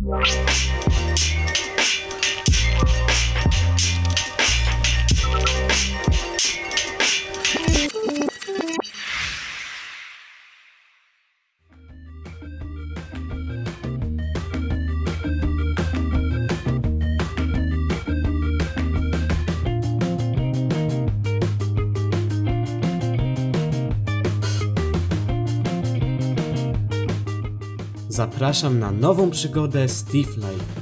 Zapraszam na nową przygodę Steve Live.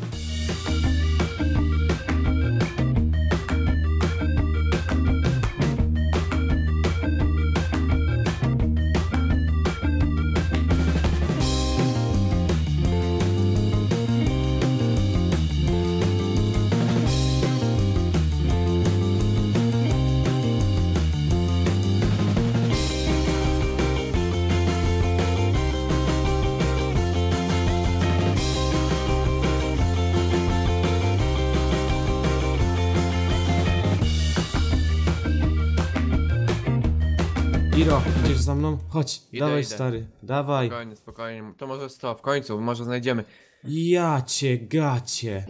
Iro, idziesz za mną? Chodź, dawaj stary, dawaj. Spokojnie, spokojnie, to może w końcu, może znajdziemy. Ja cię gacie.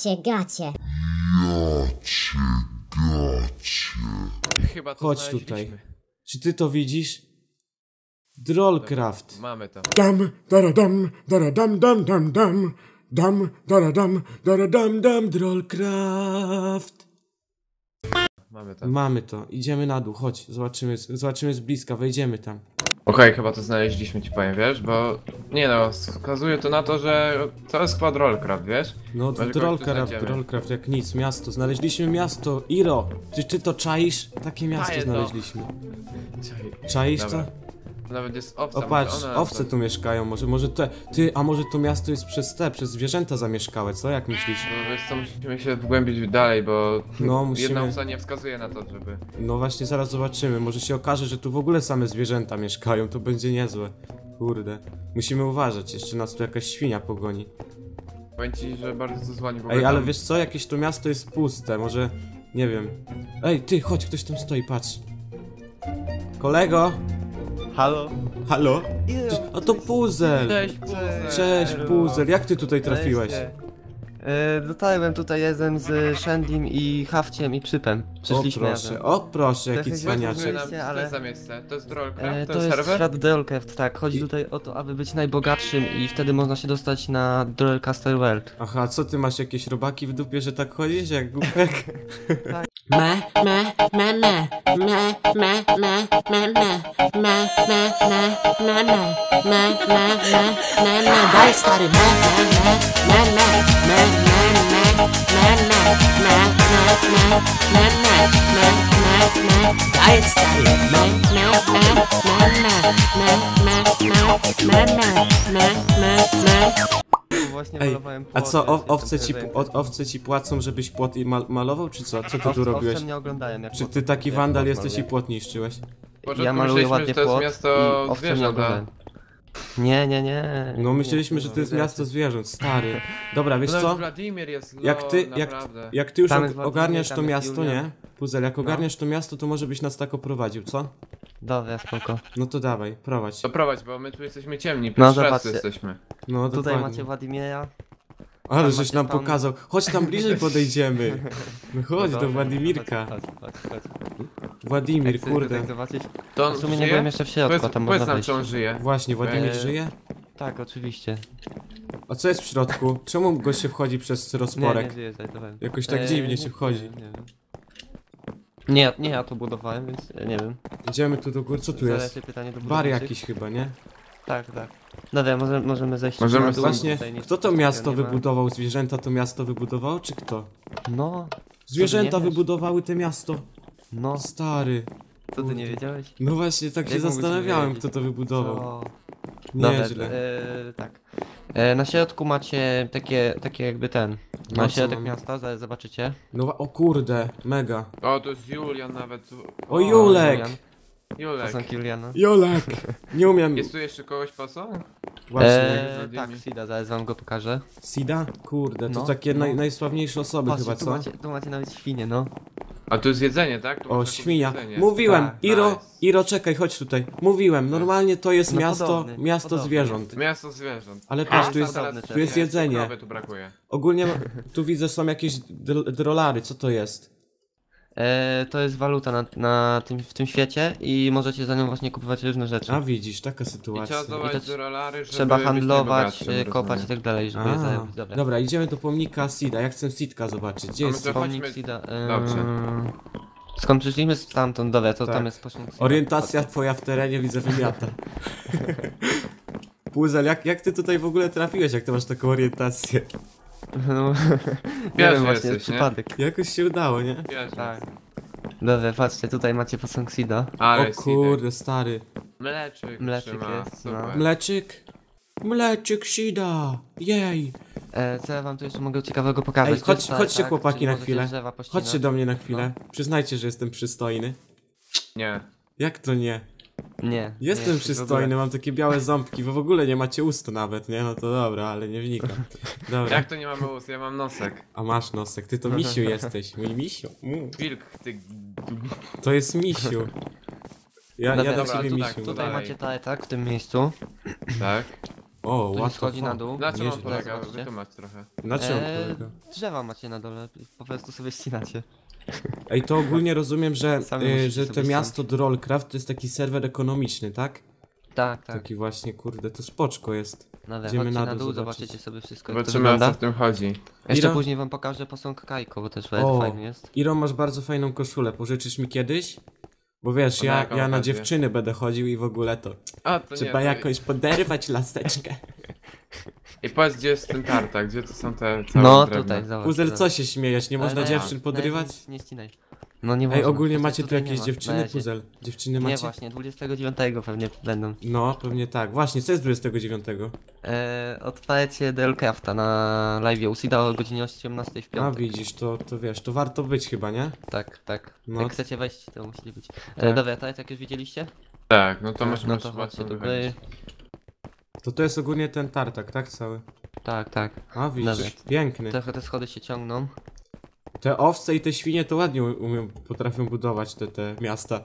Chyba to Chodź tutaj. Czy ty to widzisz? Drollcraft. Mamy to. Dam, daradam, daradam, dam, dam, dam. Dam, daradam, daradam, dam, Drollcraft. Mamy to. Mamy to, idziemy na dół, chodź, zobaczymy z bliska, wejdziemy tam. Okej, chyba to znaleźliśmy, ci powiem, wiesz, bo... Nie no, wskazuje to na to, że to jest skład Drollcraft, wiesz? No, Drollcraft jak nic, miasto, znaleźliśmy miasto, Iro, czy ty to czaisz? Takie miasto znaleźliśmy. Czaisz to? Nawet jest owca. O patrz, owce tu mieszkają, może a może to miasto jest przez zwierzęta zamieszkałe, co? Jak myślisz? No wiesz co, musimy się wgłębić dalej, bo no, jedna owca nie wskazuje na to, żeby... No właśnie, zaraz zobaczymy, może się okaże, że tu w ogóle same zwierzęta mieszkają, to będzie niezłe. Kurde, musimy uważać, jeszcze nas tu jakaś świnia pogoni. Powiem ci, że bardzo to złani w ogóle. Ej, ale wiesz co, jakieś to miasto jest puste, może... Nie wiem. Ej, ty, chodź, ktoś tam stoi, patrz. Kolego! Halo? Halo? A to Puzel! Cześć, Puzel! Cześć, Puzel, jak ty tutaj trafiłeś? Dotarłem tutaj razem z Shandim i Hafciem i Przypem. Przyszliśmy razem. O proszę, jaki Trochę cwaniaczek. Co jest za miejsce? To jest Drollcraft? To jest serwer? świat Drollcraft, tak. Chodzi tutaj o to, aby być najbogatszym i wtedy można się dostać na Drollcaster World. Aha, co ty masz jakieś robaki w dupie, że tak chodzisz jak głupek? Tak. Daj stary, daj stary, Właśnie Ej, malowałem a co, płot, owce ci płacą, żebyś płot malował, czy co? Co ty tu robiłeś? Owce mnie oglądają, jak Czy płot- ty taki jak wandal płot jesteś i maluję. płot niszczyłeś? Ja maluję ładnie że to jest płot miasto i owce mnie zwierząt, oglądają. Nie. No myśleliśmy, że to jest miasto zwierząt, stary. Dobra, wiesz co? Wladimir jest Jak ty już Tam jest ogarniasz to Władimir, tam jest miasto, Julian. nie? Puzel, jak ogarniasz to miasto, to może byś nas tak oprowadził, co? Dobra, spoko. No to dawaj, prowadź. To prowadź, bo my tu jesteśmy ciemni, No, pierwszy raz zobaczcie. tu jesteśmy. No Tutaj dokładnie. macie Władimira. Ale tam żeś macie nam tam- pokazał. Chodź tam bliżej podejdziemy. No chodź do Władimirka. Chodź. Władimir, Chcesz kurde. tutaj zobaczyć? To on W sumie nie żyje? byłem jeszcze w środku, a tam Powiedz można nam, wejść. czy on żyje. Właśnie, Władimir żyje? Tak, oczywiście. A co jest w środku? Czemu gość się wchodzi przez Nie rozporek? żyję, zajtowałem. Jakoś tak dziwnie się nie wchodzi. wiem. Nie, ja to budowałem, więc nie wiem. Idziemy tu do góry, co tu Zadaj jest? sobie pytanie do Bar budowniczych. jakiś chyba, nie? Tak. Dobra, możemy zejść. Możemy na dół, właśnie- tutaj nic Kto to takiego miasto nie ma. wybudował? Zwierzęta to miasto wybudowało, czy kto? No. Zwierzęta nie wiesz? wybudowały te miasto. No, Stary. co ty nie wiedziałeś? No właśnie, tak się Jak mógłbyś nie zastanawiałem, wiedzieć? kto to wybudował. Co? Dobra, Nieźle. tak. Na środku macie takie jakby ten. No, Na co środek mam? miasta, zaraz zobaczycie. No o kurde, mega. O, to jest Julian nawet. O Julek! Julek. Posąg Juliana. Jolek! Nie umiem. Jest tu jeszcze kogoś posąg? Właśnie. Tak, Sida, zaraz wam go pokażę. Sida? Kurde, to No, takie no. najsławniejsze osoby Patrzcie, chyba, co? tu macie nawet świnie, no. A tu jest jedzenie, tak? Tu O, można kupić świnia. jedzenie. Mówiłem, Tak, Iro, nice. Iro, czekaj, chodź tutaj. Mówiłem, normalnie to jest No miasto podobny. zwierząt. Miasto zwierząt. Ale patrz, tu jest, Podobny tu jest jedzenie. Krowy tu brakuje. Ogólnie tu widzę są jakieś drolary, co to jest? To jest waluta w tym świecie i możecie za nią właśnie kupować różne rzeczy. A widzisz, taka I trzeba sytuacja. zdobyć to rolary, żeby Trzeba być handlować, najbogatszym, kopać i rozumiem. tak dalej, żeby je A, zarobić. Dobra. dobra, idziemy do pomnika Sida. Ja chcę Sidka zobaczyć. Gdzie A my jest to Sid? Pomnik chodźmy- Sida. Dobrze. Skąd przyszliśmy? Stamtąd, dobra, to Tak. tam jest pośród Sida. Orientacja twoja w terenie, widzę, wymiata. Puzel, jak ty tutaj w ogóle trafiłeś, jak ty masz taką orientację? No, nie Wiesz, wiem, właśnie, jesteś, jest nie? przypadek. Jakoś się udało, nie? Wiesz, Tak. Dobra, patrzcie, tutaj macie posąg Sida. ale O kurde, stary. Mleczyk, Mleczyk trzyma, jest, no. super. Mleczyk? Mleczyk Sida! Jej! Co ja wam tu jeszcze mogę ciekawego pokazać? Ej, To jest chodźcie tak, chłopaki czyli na możecie chwilę. drzewa pościnać. Chodźcie do mnie na chwilę. Przyznajcie, że jestem przystojny. Nie. Jak to nie? Nie. Jestem nie, przystojny, mam takie białe ząbki, bo w ogóle nie macie ust nawet, nie? No to dobra, ale nie wnikam. Dobra. Jak to nie mamy ust? Ja mam nosek. A masz nosek, ty to misiu jesteś, mój misiu. Wilk, ty... To jest misiu. Ja Dobra, do dobra, ciebie tu misiu. tak, mówię. Tutaj Dalej. macie tak w tym miejscu. Tak? O, Tu się łatwo. schodzi na dół. Na czym on Nieźle. polega? Zobaczcie. Wytłumacz trochę. Na czym on Eee, polega? Drzewa macie na dole, po prostu sobie ścinacie. Ej, to ogólnie rozumiem, że, Sami musicie że sobie to miasto Drollcraft to jest taki serwer ekonomiczny, tak? Tak, tak. Taki właśnie, kurde, to spoczko jest. Dobra, Idziemy chodźcie na na dół dół, zobaczyć. zobaczycie sobie wszystko, jak to Zobaczymy, o co wygląda. w tym chodzi. Jeszcze Iro? później wam pokażę posąg Kajko, bo też O, fajny jest. Iro, masz bardzo fajną koszulę, pożyczysz mi kiedyś? Bo wiesz, To na jaką ja na okazję? dziewczyny będę chodził i w ogóle to A, to trzeba nie, jakoś poderwać laseczkę. I powiedz, gdzie jest ten tartak, gdzie to są te całe No drewno? tutaj, zobacz. Puzel, zobacz. co się śmiejesz? Nie Ale można na- dziewczyn na podrywać? razie Nie ścinaj. No nie Ej, można. ogólnie Tutaj macie tu nie jakieś ma, dziewczyny, na razie. Puzel? Dziewczyny Nie, macie? właśnie, 29 pewnie będą. No, pewnie tak. Właśnie, co jest 29? Odpalecie Delcrafta na live u Sida o godzinie 18 w A piątek. widzisz, to wiesz, to warto być chyba, nie? Tak, tak. No. Jak chcecie wejść, to musi być. Tak. Dobra, tak jak już widzieliście? Tak, no to możemy No już to chyba chodźcie stąd tutaj. wychodzić. To jest ogólnie ten tartak, tak? Cały. Tak, tak. A widzisz, Dobra. piękny. Trochę te schody się ciągną. Te owce i te świnie to ładnie potrafią budować te miasta.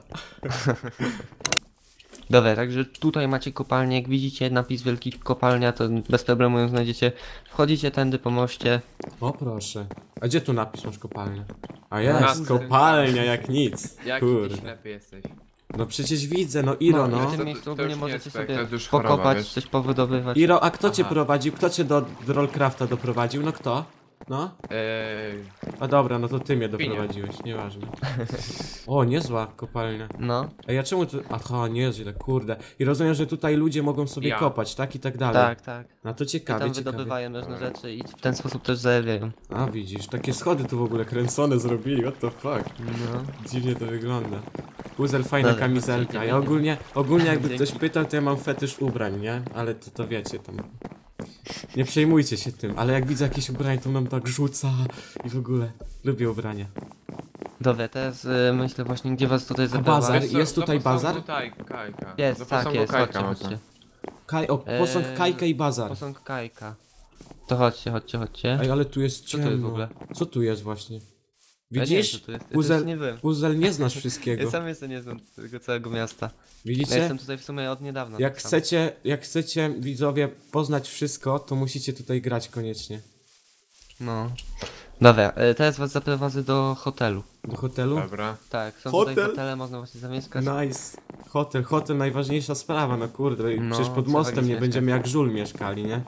Dobra, także tutaj macie kopalnię, jak widzicie napis wielki kopalnia, to bez problemu ją znajdziecie. Wchodzicie tędy po moście. O proszę. A gdzie tu napis masz kopalnia? A Na jest, tym- kopalnia jak nic. Jaki ty Kurde. ślepy jesteś. No przecież widzę, no Iro, i no. w tym To- miejscu to ogólnie już nie możecie jest tak, sobie to jest już choroba, pokopać, wiesz. coś powydobywać. Iro, a kto cię Aha. prowadził? Kto cię do Rollcrafta doprowadził? No kto? No? A dobra, no to ty mnie doprowadziłeś, nieważne. O, niezła kopalnia. No, A ja czemu tu... Aha, nieźle, kurde. I rozumiem, że tutaj ludzie mogą sobie Ja. kopać, tak? I tak dalej. tak, tak. No to I ciekawie, tam ciekawie. wydobywają różne rzeczy i w ten sposób też zarabiają. A widzisz, takie schody tu w ogóle kręcone zrobili, what the fuck. No. Dziwnie to wygląda. Puzel, fajna Dobra, kamizelka. chodźcie, Ja ogólnie jakby Dzięki. ktoś pytał, to ja mam fetysz ubrań, nie? Ale to wiecie tam. Nie przejmujcie się tym, ale jak widzę jakieś ubranie, to nam tak rzuca i w ogóle. Lubię ubrania. Dobra, teraz myślę właśnie, gdzie was tutaj bazar? zabrać. Wiesz co, Jest do tutaj posągu bazar? Kajka. Do Jest, tak, posągu jest, Kajka chodźcie, można. chodźcie. Posąg Eee, Kajka i bazar. Posąg Kajka. To chodźcie, chodźcie, chodźcie. Ej, ale tu jest Co to jest w ciemno. ogóle? Co tu jest właśnie? Ja nie wiem, Widzisz? co tu jest. Ja Puzel, też nie byłem. Puzel, nie znasz wszystkiego. Ja sam jeszcze nie znam tego całego miasta. Ja Widzicie? jestem tutaj w sumie od niedawna. Jak tak samo. chcecie widzowie poznać wszystko, to musicie tutaj grać koniecznie. No. Dobra, teraz was zaprowadzę do hotelu. Do hotelu? Dobra. Tak, są Hotel? tutaj hotele, można właśnie zamieszkać. Nice. Hotel najważniejsza sprawa, no kurde. No, Przecież pod trzeba mostem gdzieś nie mieszkać. będziemy jak żul mieszkali, nie?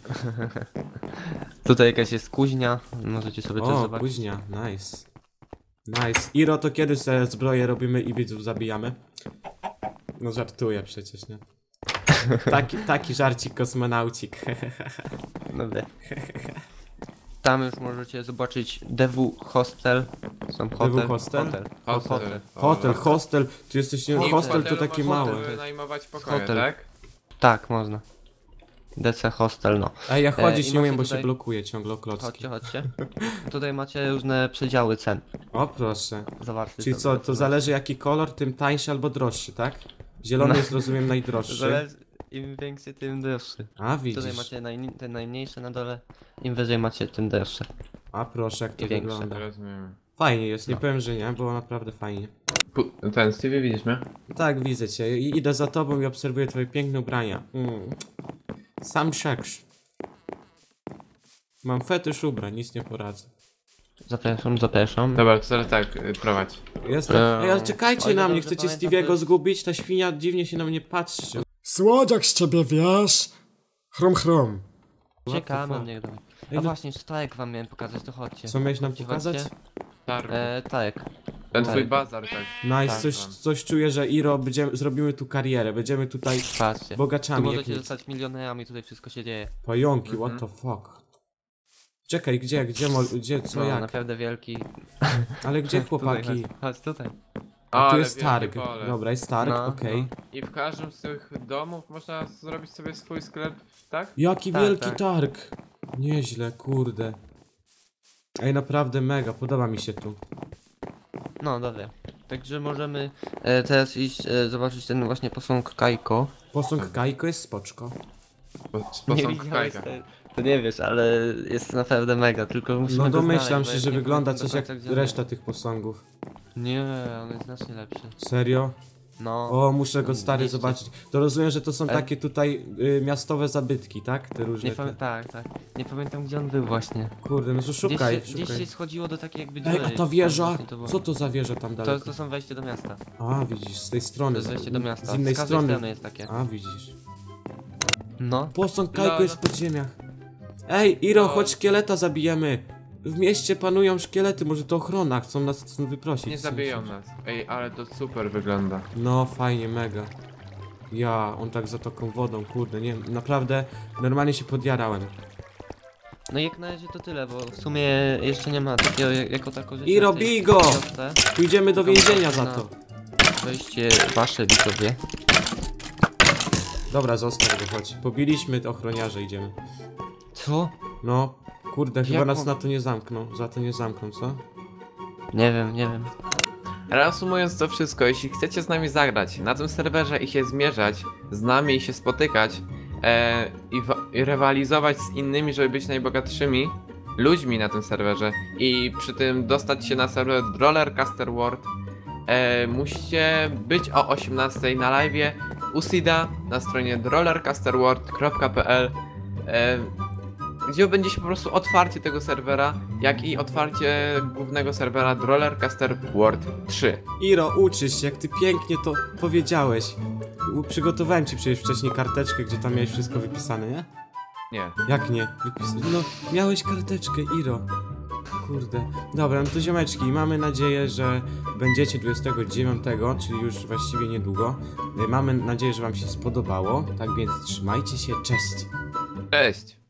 Tutaj jakaś jest kuźnia, możecie sobie też O, zobaczyć. późnia, nice. Nice. Iro, to kiedy sobie zbroję robimy i widzów zabijamy? No żartuję przecież, nie? Taki żarcik kosmonaucik. Dobra. Tam już możecie zobaczyć DW Hostel. Są hotel. Hostel? Hotel. Hostel. Tu jesteś, nie Hotel. hostel to takie można małe. wynajmować pokoje, Hotel. tak? Tak, można. DC Hostel, no. Ej, ja chodzić i nie umiem, macie bo tutaj- się blokuje ciągle o klocki. Chodźcie, chodźcie. Tutaj macie różne przedziały cen. O proszę. Zobaczcie. Czyli sobie, co, to zobaczcie. zależy jaki kolor, tym tańszy albo droższy, tak? Zielony No. jest, rozumiem, najdroższy. Zależy, im większy, tym droższy. A Tutaj widzisz. macie te najmniejsze na dole, im wyżej macie, tym droższe. A proszę, jak to I większe. wygląda. Rozumiem. Fajnie jest, nie powiem, że nie, było naprawdę fajnie. Ten, Stevie, widzisz mnie? Tak, widzę cię. Idę za tobą i obserwuję twoje piękne ubrania. Sam szeksz. Mam fetysz ubrań, nic nie poradzę. Zapraszam, zapraszam. Dobra, to teraz tak, prowadź. Jestem. Ej, ale czekajcie o ile na mnie, dobrze chcecie pamiętam, Stevie'ego to jest- zgubić? Ta świnia dziwnie się na mnie patrzy. Słodziak z ciebie, wiesz? Chrom, chrom. Czekamy, fuck? niech dawaj. Ej, A no- właśnie, sztajek wam miałem pokazać, to chodźcie. Co miałeś nam Chodźcie, pokazać? chodźcie. Targ. Tak. Ten twój tak. bazar, tak. Nice, tak, coś czuję, że Iro, zrobimy tu karierę, będziemy tutaj Patrzcie. Tu bogaczami jak możecie nic. zostać milionerami, tutaj wszystko się dzieje. Pająki, Mhm. what the fuck. Czekaj, gdzie, co, No, jak? naprawdę wielki. Ale gdzie chłopaki? Tutaj, chodź tutaj. A tu Ale jest wielkie targ. pole. Dobra, jest targ, No, okej. I w każdym z tych domów można zrobić sobie swój sklep, tak? Jaki Tak, wielki tak. targ! Nieźle, kurde. Ej, naprawdę mega, podoba mi się tu. No, dobra. Także możemy teraz iść zobaczyć ten właśnie posąg Kajko. Posąg Kajko jest spoczko. Sposąg Kajka. To nie wiesz, ale jest naprawdę mega, tylko musimy No go domyślam znaleźć, się, bo że ja nie wygląda pamiętam coś do jak końca, gdzie on reszta tych posągów. jest. Nie, on jest znacznie lepszy. Serio? No. O, muszę go stary mieście. zobaczyć. To rozumiem, że to są E? takie tutaj miastowe zabytki, tak? Te różne. Nie tak. Nie pamiętam gdzie on był właśnie. Kurde, no to szukaj, Gdzieś się szukaj. schodziło do takiej jakby Ej, dziury. a ta Tam wieża? właśnie to było. Co to za wieża tam To, daleko? to są wejście do miasta. A, widzisz, z tej To strony. jest wejście do miasta. Z innej z każdej strony. strony jest takie. A, widzisz. No. Posąg Kajko No, jest w podziemiach. Ej, Iro, No. chodź szkieleta zabijemy. W mieście panują szkielety, może to ochrona, chcą nas stąd wyprosić. Nie zabiją nas. Ej, ale to super wygląda. No, fajnie, mega. Ja, on tak zatoką wodą, kurde, nie wiem, naprawdę, normalnie się podjarałem. No i jak na razie to tyle, bo w sumie jeszcze nie ma takiego jako tako rzeczy. I na tej robi go! wiosce. Pójdziemy do więzienia za No. to. Wejście wasze widzowie. Dobra, zostaw go, chodź. Pobiliśmy ochroniarze, idziemy. Co? No, kurde, chyba Jak nas on- na to nie zamkną, za to nie zamkną, co? Nie wiem. Reasumując to wszystko, jeśli chcecie z nami zagrać na tym serwerze i się zmierzać z nami i się spotykać i rywalizować z innymi, żeby być najbogatszymi ludźmi na tym serwerze i przy tym dostać się na serwer Rollercaster World, musicie być o 18 na live'ie u Sida na stronie rollercasterworld.pl, gdzie będzie się po prostu otwarcie tego serwera, jak i otwarcie głównego serwera Rollercaster World 3. Iro, uczysz się, jak ty pięknie to powiedziałeś. Przygotowałem ci przecież wcześniej karteczkę, gdzie tam miałeś wszystko wypisane, nie? Nie. Jak nie? No, miałeś karteczkę, Iro. Kurde. Dobra, no to ziomeczki, mamy nadzieję, że będziecie 29, czyli już właściwie niedługo. Mamy nadzieję, że wam się spodobało. Tak więc trzymajcie się, cześć! Cześć!